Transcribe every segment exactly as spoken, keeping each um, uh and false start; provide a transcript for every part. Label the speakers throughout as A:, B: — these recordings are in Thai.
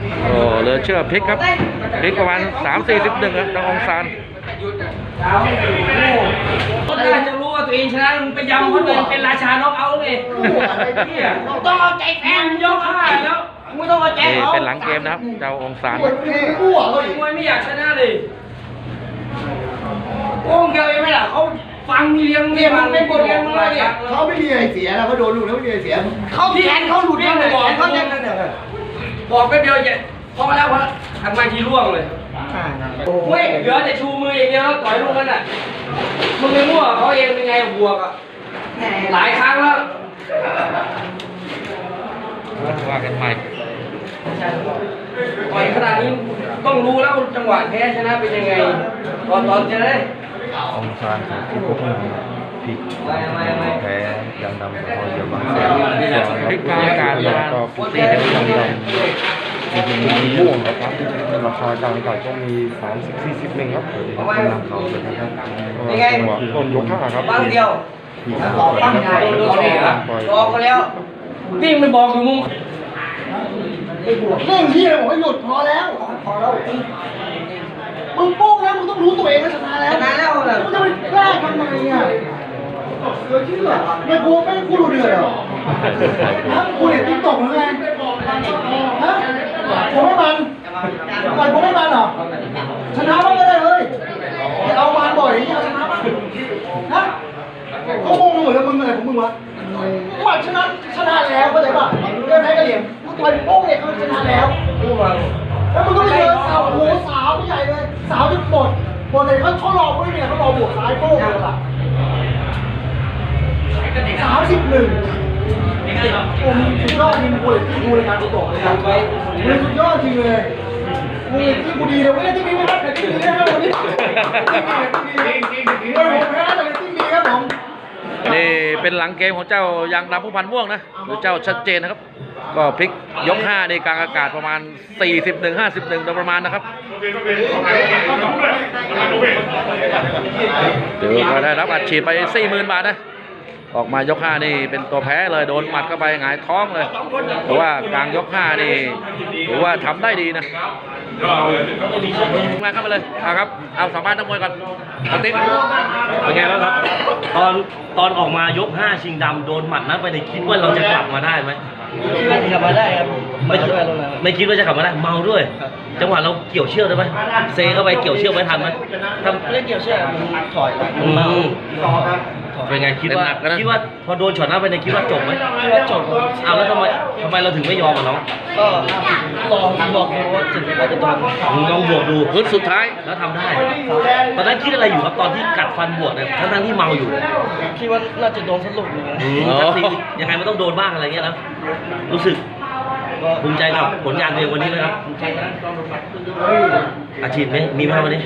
A: โอ้เหลือเชื่อพลิกครับพลิกประมาณสามสี่สิบหนึ่งครับน้ององซาน
B: ก็น่าจะรู้ว่าตัวเองชนะมึงไปยำคนอื่นเป็นราชาน็อกเอาท์เลยต้องเอาใจแฟนยกห้าแล้วมึงต้องเอาใจเขา
A: เป็นหลังเกมนะครับเจ้าองซาน
B: มวยไม่อยากชนะเลยโอ้เกลียวไม่ล่ะเขาฟังมีเลี้ยงเนี่ยมันเป็นบทเรียนมึงเลยเนี่ย
C: เขาไม่มีอะไรเสียแล้วเขาโดนลูกแล้วไม่มีอะไรเสีย
B: เขาแขนเขาหลุดเนี่ยบอกเขาเนี่ยบอกไปเดียวจะพอแล้วพอทำมาทีร่วงเลยเว้ยเหลือแต่ชูมืออย่างเดียวแล้วต่อยลูกนั่นน่ะมึงไม่มั่วเขาเองเป็นไงบวกอ่ะหลายครั้งแล้ว
A: ว่ากันใหม่
B: ต่อยขนาดนี้ต้องรู้แล้วจังหวะแพ้ชนะเป็นยังไงตอนตอนจะได้
D: องซานที่พวกมันพลิกแพ้ยังดำพอเยอะมาก
A: พลิกกลางอากาศประมาณสี่สิบสองด
D: จริงๆมีม่วงครับราคากลางอากาศก็มีสามสิบสี่สิบหนึ่งครับเดี๋ยวจะนำเขาเลยนะครับจังหวะต้นยกห้าครับ
B: บ้างเดียวบ้างใหญ่รอเขาแล้ววิ่งไปบอกอยู่มุม
C: เรื่องที่อะไรบอกให้หยุดพอแล้วพอแล้วมึงโป้งแล้วมึงต้องรู้ตัวเองว่าชนะแล้ว
B: ชนะแล้วเหรอ
C: มึงจะไปแกล้งทำไมอ่ะเดือดชื่อไม่กูไม่กูดูเดือดเหรอฮะกูเห็นติ๊กต็อกหรือไงฮะกูไม่มันมันกูไม่มันหรอชนะบ้างก็ได้เฮ้ยอย่าเอามันบ่อยอย่างนี้เอาชนะบ้างฮะเขาโง่เหมือนกับมึงอะไรของมึงวะมันชนะชนะแล้วเข้าใจป่ะเรื่องไหนก็เหลี่ยมกูต่อยโป้งเนี่ยเขาชนะแล้วแล้วมึงก็ไปเจอสาวโอ้โหสาวใหญ่เลยสาวจนหมดหมดเลยเขาเขารอไม่เนี่ยเขารอบวกซ้ายโป้งเลยล่ะสามสิบหนึ่งโอ้มึงสุดยอดจริงกูเลยที่กูเลยการกูตกเลยครับมึงสุดยอดจริงเลยมึงที่กูดีเลยไม่ได้ที่ดีไม่ได้แต่ที่ดีนะครับวันนี้จริงจริงจริงผมแพ้แต่ที่ดีครับผม
A: นี่เป็นหลังเกมของเจ้ายางดำผู้พันม่วงนะหรือเจ้าชัดเจนนะครับก็พลิกยกห้าในกลางอากาศประมาณสี่สิบหนึ่ง ห้าสิบเอ็ดโดยประมาณนะครับเดี๋ยวก็ได้รับอัดฉีดไป สี่หมื่น บาทนะออกมายกห้านี่เป็นตัวแพ้เลยโดนหมัดเข้าไปหงายท้องเลยแต่ว่ากลางยกห้านี่ถือว่าทำได้ดีนะมาเข้ามาเลยเอาครับเอาสัมภาษณ์นักมวยก่อนเอาติ๊ก
E: เป็นไงบ้างครับตอนตอนออกมายกห้าชิงดำโดนหมัดนั้นไปในคิดว่าเราจะกลับมาได้ไหม
B: คิดว่าจะกลับมาได้ครับ
E: ไม่คิดไม่คิดว่าจะกลับมาได้เมาด้วยจังหวะเราเกี่ยวเชือกได้ไหมเซเข้าไปเกี่ยวเชือกไว้ทันไหม
B: ทำเล่นเกี่ยวเชือกมันถอยมันเมา
E: เป็นไงคิดว่าคิดว่าพอโดนช็อตหน้าไปในคิดว่าจบไหม
B: คิดว่าจบ
E: เอาแล้วทำไมทำไมเราถึงไม่ยอมอ่ะน้อง
B: ก็ลองบอกดูว่าถึงว่าจะโดน
E: ลองบวกดู
A: พื้นสุดท้าย
E: แล้วทำได้ตอนนั้นคิดอะไรอยู่ครับตอนที่กัดฟันบวกเนี่ยทั้งทั้งที่เมาอยู่
B: คิดว่าน่าจะโดนสลุกเลย
E: ยังไงมันต้องโดนบ้างอะไรเงี้ยนะรู้สึกภูมิใจกับผลงานตัวเองวันนี้นะครับอาชีพไหมมีไหมวันนี้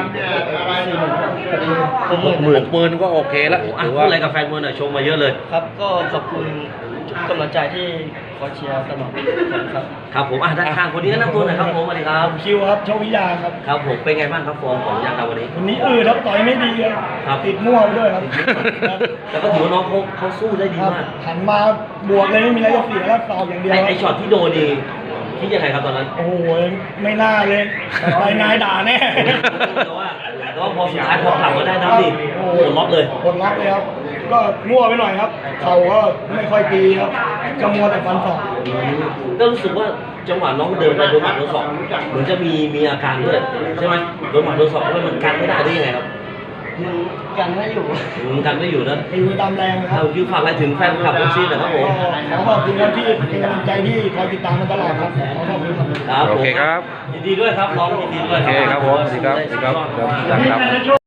A: ผมหมื่นหมื่นก็โอเคแล้ว
E: ถือว่าอะไรกับแฟนมวยหน่อยชมมาเยอะเลย
B: ครับก็ขอบคุณกำลังใจที่คอยเชียร์ตลอดครับ
E: ครับผมอ่ะด้านข้างคนนี้แนะนำตัวหน่อยครับผมสวัสดีครับ
C: คิวครับโชวิยาครับ
E: ครับผมเป็นไงบ้างครับฟอร์มของยางดาววันนี้
C: วันนี้อืดครับต่อยไม่ดีครับติดมั่วไปด้วยครับ
E: แต่ก็ถือว่าน้องเขาเขาสู้ได้ดีมาก
C: หันมาบวกเลยไม่มีอะไรจะเสียแล้วต่ออย่างเดียว
E: ไอ้ช็อตที่โดนดีคิดยังไงครับตอนนั้น
C: โอ้โหไม่น่าเลยไปนายด่าแน่
E: แต่ว่าแต่ว่าพอสุดท้ายพอกลับมาได้น้ำดิโอ้โหล็อกเลย
C: กดล็อกเลยครับก็มั่วไปหน่อยครับเขาก็ไม่ค่อยดีครับจะมัวแต่ฟันศอก
E: ก็รู้สึกว่าจังหวะน้องเดินไปโดนหมัดโดนศอกเหมือนจะมีมีอาการด้วยใช่ไหมโดนหมัดโดนศอกแล้วมันกันไม่ได้ได้ยังไงครับ
B: กันไม่อยู่
E: กันไม่อยู่นะ
C: อยู่ตามแรงครับ
E: คือฝากอะไรถึงแฟนคลับเอฟซีหน่อยครับผม
C: ขอขอบคุณที่เป็นกำลังใจที่คอยติดตามมาตลอดครับขอขอบคุณ
E: ครับ
A: โอเคครับ
E: ยินดีด้วยครับน้องยินดีด้วย
A: โอเคครับผมสวัสดีครับสวัสดีครับ